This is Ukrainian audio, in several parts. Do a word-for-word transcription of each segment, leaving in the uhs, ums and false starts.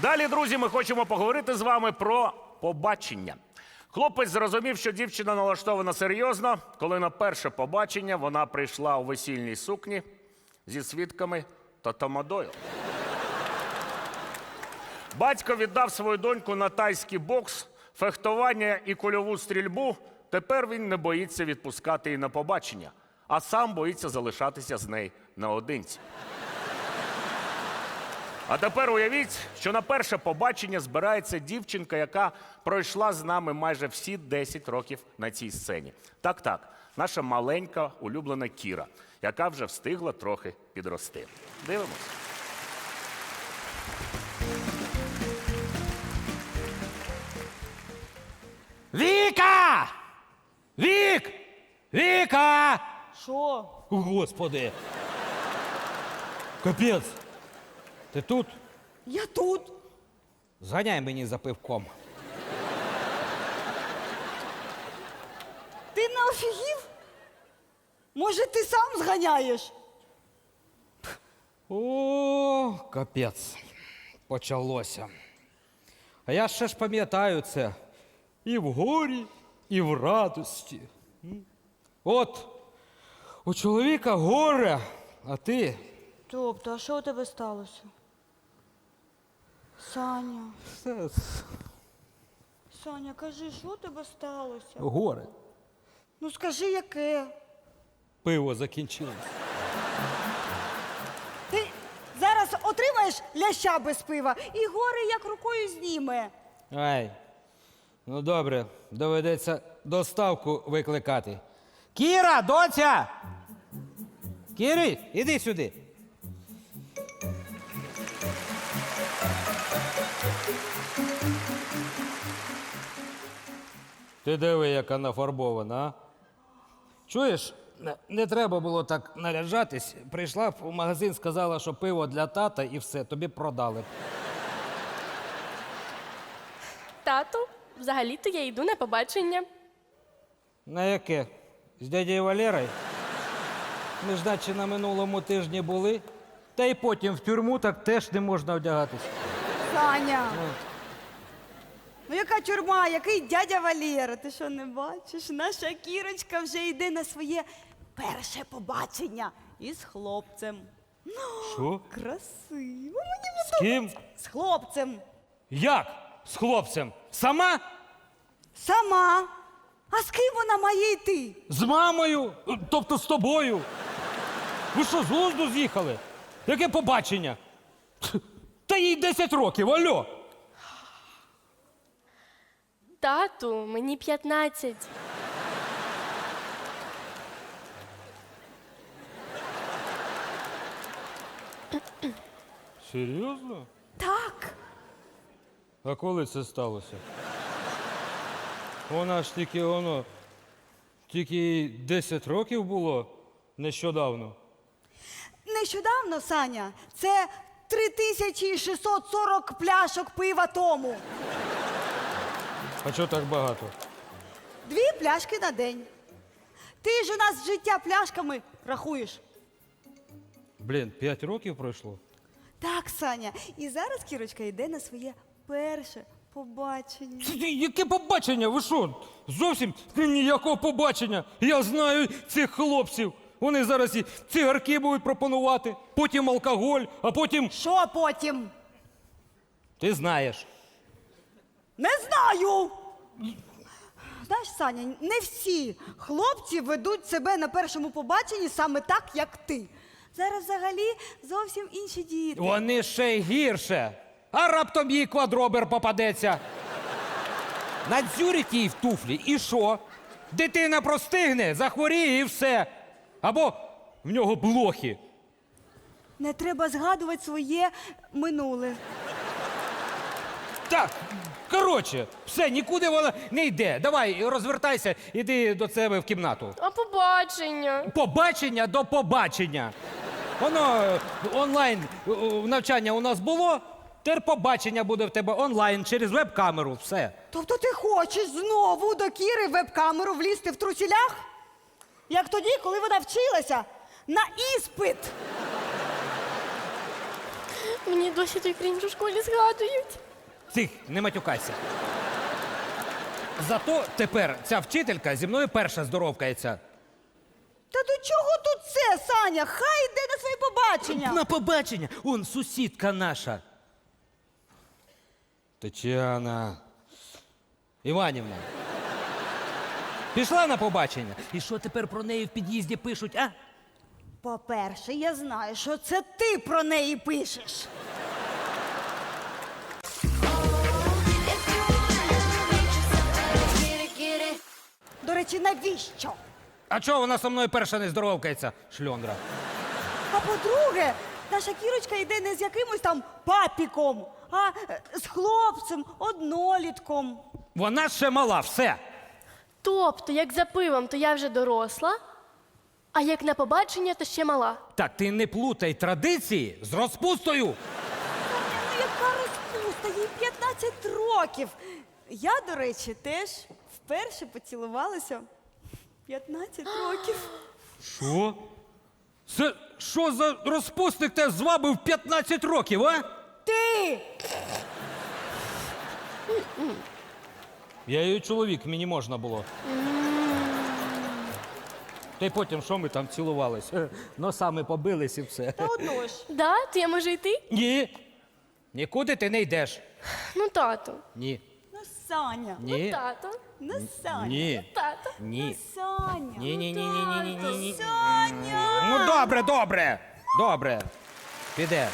Далі, друзі, ми хочемо поговорити з вами про побачення. Хлопець зрозумів, що дівчина налаштована серйозно, коли на перше побачення вона прийшла у весільній сукні зі свідками та тамадою. Батько віддав свою доньку на тайський бокс, фехтування і кульову стрільбу. Тепер він не боїться відпускати її на побачення, а сам боїться залишатися з нею наодинці. А тепер уявіть, що на перше побачення збирається дівчинка, яка пройшла з нами майже всі десять років на цій сцені. Так-так, наша маленька улюблена Кіра, яка вже встигла трохи підрости. Дивимось. Віка! Вік! Віка! Що? Господи! Капець! Ти тут? Я тут. Зганяй мені за пивком. Ти не офігів? Може, ти сам зганяєш? О, капець. Почалося. А я ще ж пам'ятаю це. І в горі, і в радості. М? От, у чоловіка горе, а ти... Тобто, а що у тебе сталося? Саня, Все, Саня, кажи, що у тебе сталося? горе. Ну скажи, яке? Пиво закінчилось. Ти зараз отримаєш ляща без пива і горе як рукою зніме. Ай, ну добре, доведеться доставку викликати. Кіра, доця! Кірі, іди сюди. Ти диви, яка нафарбована, а? Чуєш, не, не треба було так наряджатись. Прийшла б у магазин, сказала, що пиво для тата і все, тобі продали. Тату, взагалі-то я йду на побачення. На яке? З дядєю Валерою? Ми ж наче на минулому тижні були. Та й потім в тюрму так теж не можна вдягатись. Саня! Ну яка тюрма, який дядя Валєра? Ти що, не бачиш? Наша Кірочка вже йде на своє перше побачення із хлопцем. Що? Красиво, мені З ким? з хлопцем. Як? З хлопцем? Сама? Сама. А з ким вона має йти? З мамою? Тобто з тобою? Ви що, з глузду з'їхали? Яке побачення? Та їй десять років, алло! Тату, мені п'ятнадцять. Серйозно? Так. А коли це сталося? Вона ж тільки воно, тільки їй десять років було нещодавно. Нещодавно, Саня, це три тисячі шістсот сорок пляшок пива тому. А чого так багато? Дві пляшки на день. Ти ж у нас життя пляшками рахуєш. Блін, п'ять років пройшло? Так, Саня. І зараз Кірочка йде на своє перше побачення. Це яке побачення? Ви що? Зовсім ніякого побачення. Я знаю цих хлопців. Вони зараз і цигарки будуть пропонувати, потім алкоголь, а потім... Що потім? Ти знаєш. Не знаю. Знаєш, Саня, не всі хлопці ведуть себе на першому побаченні саме так, як ти. Зараз взагалі зовсім інші діти. Вони ще й гірше. А раптом їй квадробер попадеться. Надзюрить їй в туфлі і що? Дитина простигне, захворіє і все. Або в нього блохи. Не треба згадувати своє минуле. Так, коротше, все, нікуди вона не йде. Давай, розвертайся, іди до себе в кімнату. А побачення? Побачення до побачення. Воно е, онлайн е, навчання у нас було, тепер побачення буде в тебе онлайн через веб-камеру. Все. Тобто ти хочеш знову до Кіри в веб-камеру влізти в трусілях? Як тоді, коли вона вчилася на іспит. Мені досі той крінж у школі згадують. Тих, не матюкайся. Зато тепер ця вчителька зі мною перша здоровкається. Та до чого тут це, Саня? Хай йде на своє побачення. На побачення! Он сусідка наша. Тетяна Іванівна. Пішла на побачення. І що тепер про неї в під'їзді пишуть, а? По-перше, я знаю, що це ти про неї пишеш. До речі, навіщо? А чого вона со мною перша не здоровкається, шльондра? А по-друге, наша Кірочка йде не з якимось там папіком, а е, з хлопцем, однолітком. Вона ще мала, все. Тобто, як за пивом, то я вже доросла, а як на побачення, то ще мала. Так ти не плутай традиції з розпустою. Ну, яка розпуста, їй п'ятнадцять років. Я, до речі, теж вперше поцілувалася в п'ятнадцять років. Що? Це що за розпусник те звабив п'ятнадцять років, а? Ти! Я її чоловік, мені можна було. Та й потім, що ми там цілувались? Е, Носами побились і все. Та одно ж. Да, то я можу йти? Ні. Нікуди ти не йдеш. Ну, тато. Ні. Ну, Саня. Ні. Тато. Ну, Саня. Ні. Тато. Ну, Ні. Саня. Ні, ні, ні, ні, ні, ні, ні, ні. Саня! Ну добре, добре. Добре. Піде.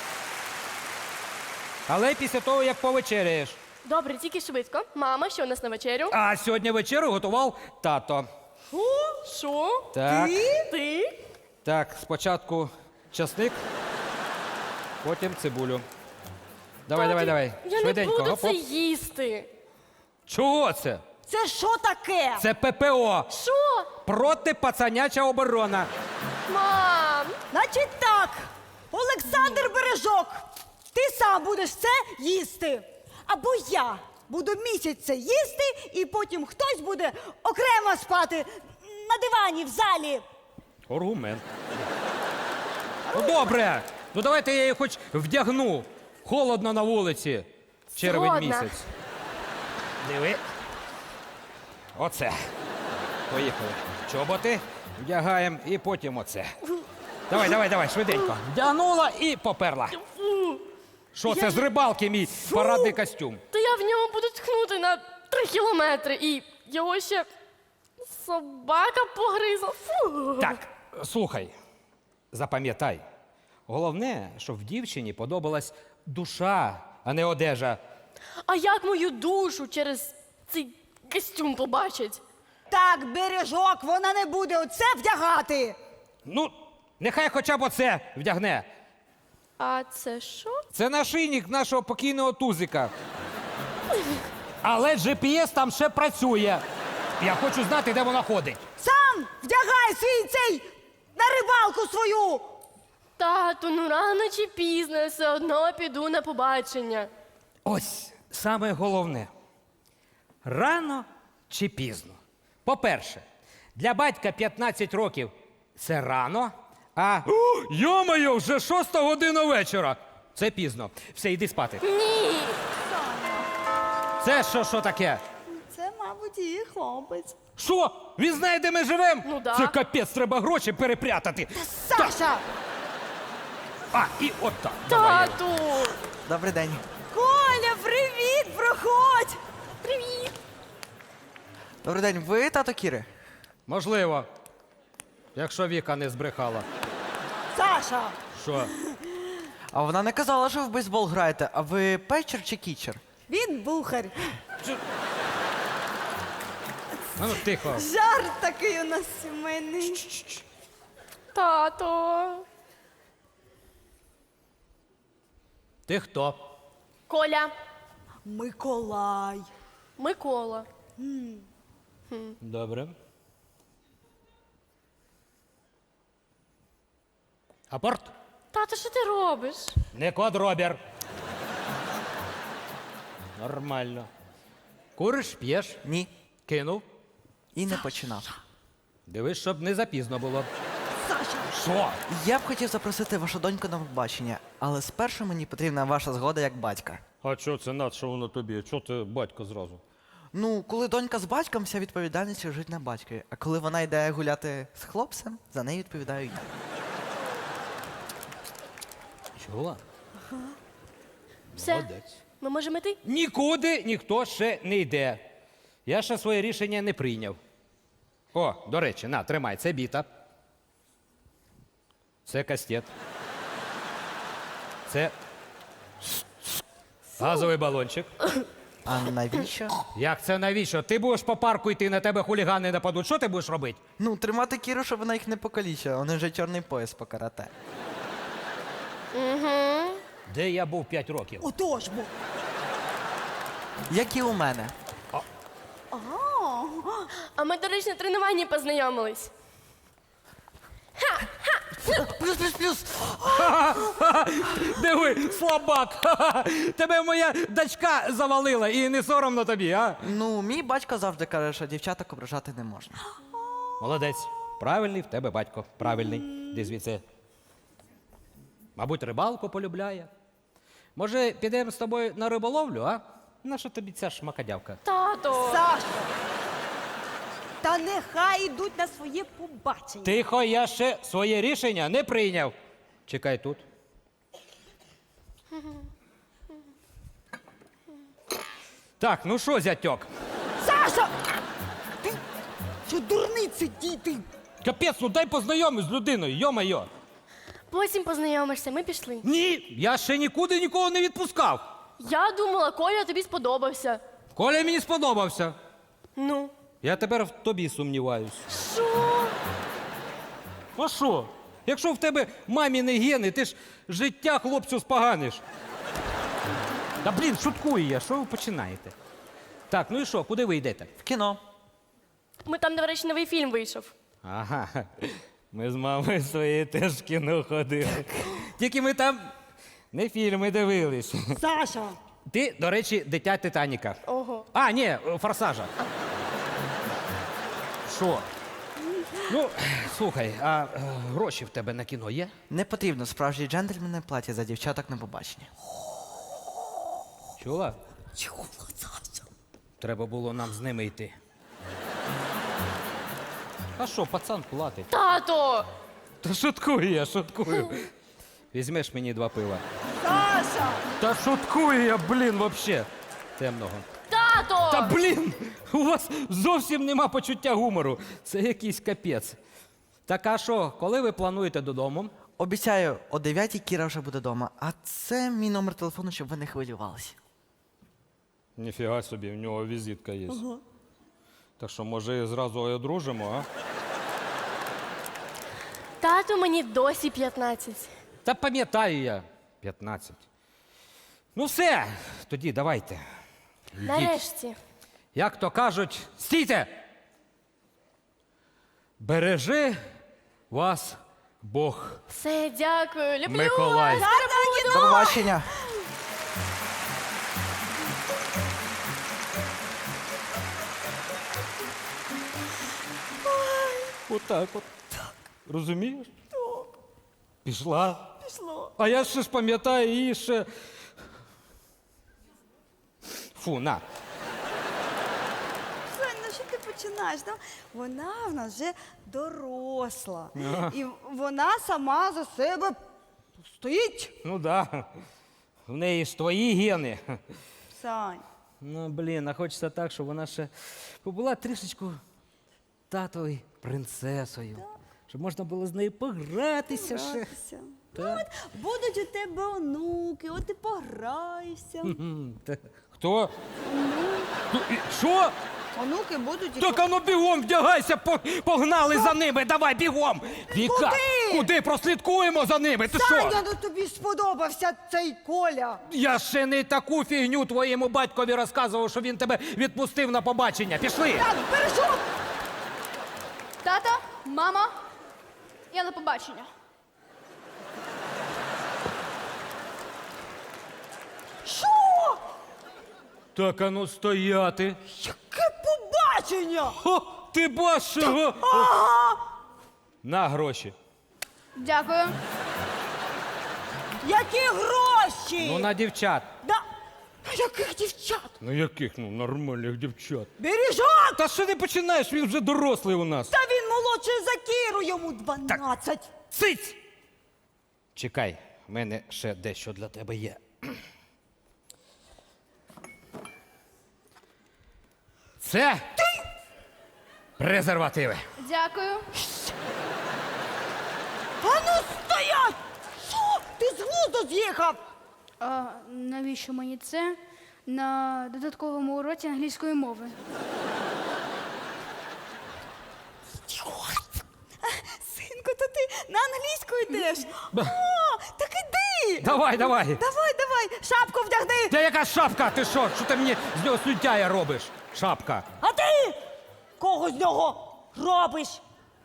Але після того, як повечеряєш. Добре, тільки швидко. Мама, що у нас на вечерю? А сьогодні вечерю готував тато. Що? Так. Ти? Ти? Так, спочатку часник, потім цибулю. Давай, давай, давай. Я Швиденько. не буду Гоп, це гоп. їсти. Чого це? Це що таке? Це ППО. Що? Протипацаняча оборона. Мам! Значить так, Олександр Бережок, ти сам будеш це їсти. Або я буду місяць це їсти, і потім хтось буде окремо спати на дивані в залі. Аргумент. Ну добре. Ну давайте я її хоч вдягну. Холодно на вулиці. Червень Згодна. місяць. Диви. Оце. Поїхали. Чоботи вдягаємо і потім оце. Давай, давай, давай, швиденько. Вдягнула і поперла. Що це з рибалки мій парадний костюм? То я в ньому буду тхнути на три кілометри і його ще собака погризла. Фу. Так, слухай, запам'ятай. Головне, щоб в дівчині подобалась душа, а не одежа. А як мою душу через цей костюм побачить? Так, Бережок, вона не буде оце вдягати. Ну, нехай хоча б оце вдягне. А це що? Це нашийник нашого покійного тузика. Але джі пі ес там ще працює. Я хочу знати, де вона ходить. Сам вдягай свій цей на рибалку свою. Тату, ну рано чи пізно я все одно піду на побачення. Ось саме головне. Рано чи пізно. По-перше, для батька п'ятнадцять років це рано, а йо-моє, вже шоста година вечора. Це пізно. Все, йди спати. Ні. Це що, що таке? Це, мабуть, її хлопець. Що? Він знає, де ми живемо? Ну да. Це капець, треба гроші перепрятати. Саша! А, і от так. Давай, Єва. Тату. Добрий день. Коля, привіт, проходь! Привіт. Добрий день. Ви тато Кіри? Можливо. Якщо Віка не збрехала. Саша! Що? А вона не казала, що ви в бейсбол граєте. А ви печер чи кічер? Він бухар. А ну тихо. Жарт такий у нас сімейний. Тато. Ти хто? Коля. Миколай. Микола. Добре. Апорт? Тато, що ти робиш? Не квадробір. Нормально. Куриш, п'єш, Ні. кинув. І не починав. Дивись, щоб не запізно було. Саша! Що? Я б хотів запросити вашу доньку на побачення, але спершу мені потрібна ваша згода як батька. А чого це над, що воно тобі? Чого ти батько зразу? Ну, коли донька з батьком, вся відповідальність лежить на батькові. А коли вона йде гуляти з хлопцем, за неї відповідаю я. Чула? Все, Молодець. ми можемо йти? Нікуди ніхто ще не йде. Я ще своє рішення не прийняв. О, до речі, на, тримай, це біта. Це кастет. Це газовий балончик. А навіщо? Як це навіщо? Ти будеш по парку йти, на тебе хулігани нападуть. Що ти будеш робити? Ну, тримати Кіру, щоб вона їх не покалічила. У них вже чорний пояс по карате. Де я був п'ять років? Отож бо. Як і у мене. А ми, до речі, на тренуванні познайомились. Плюс, плюс, плюс! Диви, слабак! Тебе моя дочка завалила і не соромно тобі, а? Ну, мій батько завжди каже, що дівчаток ображати не можна. Молодець. Правильний в тебе батько. Правильний. Де звідси? Мабуть, рибалку полюбляє. Може, підемо з тобою на риболовлю, а? На що тобі ця шмакодявка? Тато! Саша! Та нехай йдуть на своє побачення. Тихо, я ще своє рішення не прийняв. Чекай тут. Так, ну що, зятьок? Саша! Ти що дурниці, діти? Капець, ну дай познайомись з людиною, йо-майо. Потім познайомишся, ми пішли. Ні, я ще нікуди нікого не відпускав. Я думала, Коля тобі сподобався. Коля мені сподобався. Ну. Я тепер в тобі сумніваюсь. Що? А що? Якщо в тебе маміни гени, ти ж життя хлопцю споганиш. Та блін, шуткую я, що ви починаєте? Так, ну і що, куди ви йдете? В кіно. Ми там, до речі, новий фільм вийшов. Ага, ми з мамою своєю теж в кіно ходили. Тільки ми там не фільми дивились. Саша! Ти, до речі, дитя Титаніка. Ого. А, ні, форсажа. Що? Ну, слухай, а е, гроші в тебе на кіно є? Не потрібно справжні джентльмени платять за дівчаток на побачення. Чула? Чого, Саша? Треба було нам з ними йти. А що, пацан платить? Тато! Та шуткую я, шуткую. Візьмеш мені два пива. Саша! Та шуткую я, блін, вообще. Темного. Тато! Та блін! У вас зовсім нема почуття гумору. Це якийсь капець. Так а що, коли ви плануєте додому? Обіцяю, о дев'ятій Кіра вже буде вдома. А це мій номер телефону, щоб ви не хвилювалися. Ніфіга собі, в нього візитка є. Так що, може, зразу одружимо, а? Тату, мені досі п'ятнадцять. Та пам'ятаю я. п'ятнадцять. Ну все, тоді давайте. Йдіть. Нарешті. Як то кажуть, стійте! Бережи вас Бог. Все, дякую. Люблю Миколай. вас. До побачення! Отак от. Розумієш? Пішла. Пішло. А я ще ж пам'ятаю її ще. Фу, на. Сонь, ну що ти починаєш? Ну, вона в нас вже доросла. І вона сама за себе стоїть. Ну да. В неї ж твої гени. Сань. Ну, блін, а хочеться так, щоб вона ще побула трішечку татовою принцесою. Щоб можна було з нею погратися ще. Гратися. Ну, от будуть у тебе онуки, от ти пограєшся. М, та- Хто? Ну, і Що? Онуки будуть і Так ану бігом вдягайся, по- погнали за ними, давай бігом! Віка, Куди? куди прослідкуємо за ними? Ти Саня, що? ну тобі сподобався цей Коля. Я ще не таку фігню твоєму батькові розказував, що він тебе відпустив на побачення. Пішли! Так, бережок! Тато, мама, я на побачення. Що? Так ану стояти. Яке побачення? О, ти бачив? Ага. На гроші. Дякую. Які гроші? Ну, на дівчат. Да. А яких дівчат? Ну яких? Ну, нормальних дівчат. Бережок! Та що ти починаєш? Він вже дорослий у нас. Та він молодший за Кіру, йому дванадцять. Цить! Чекай, в мене ще дещо для тебе є. Це презервативи. Дякую. А ну стоять! Що? Ти з глузду з'їхав? А навіщо мені це на додатковому уроці англійської мови? Синку, то ти на англійську йдеш? О, так іди! Давай, давай. Давай, давай, шапку вдягни! Та яка шапка? Ти що? Що ти мені з нього слюдяя робиш? Шапка. А ти кого з нього робиш?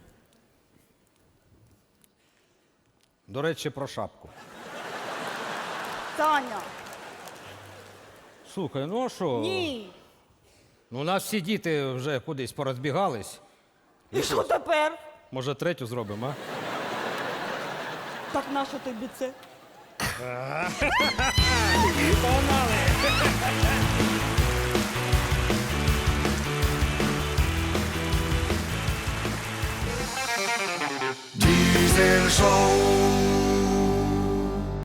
До речі, про шапку. Таня, Слухай, ну а що? ні. Ну, у нас всі діти вже кудись порозбігались. І що тепер? Може, третю зробимо, а? Так нащо тобі це? Погнали!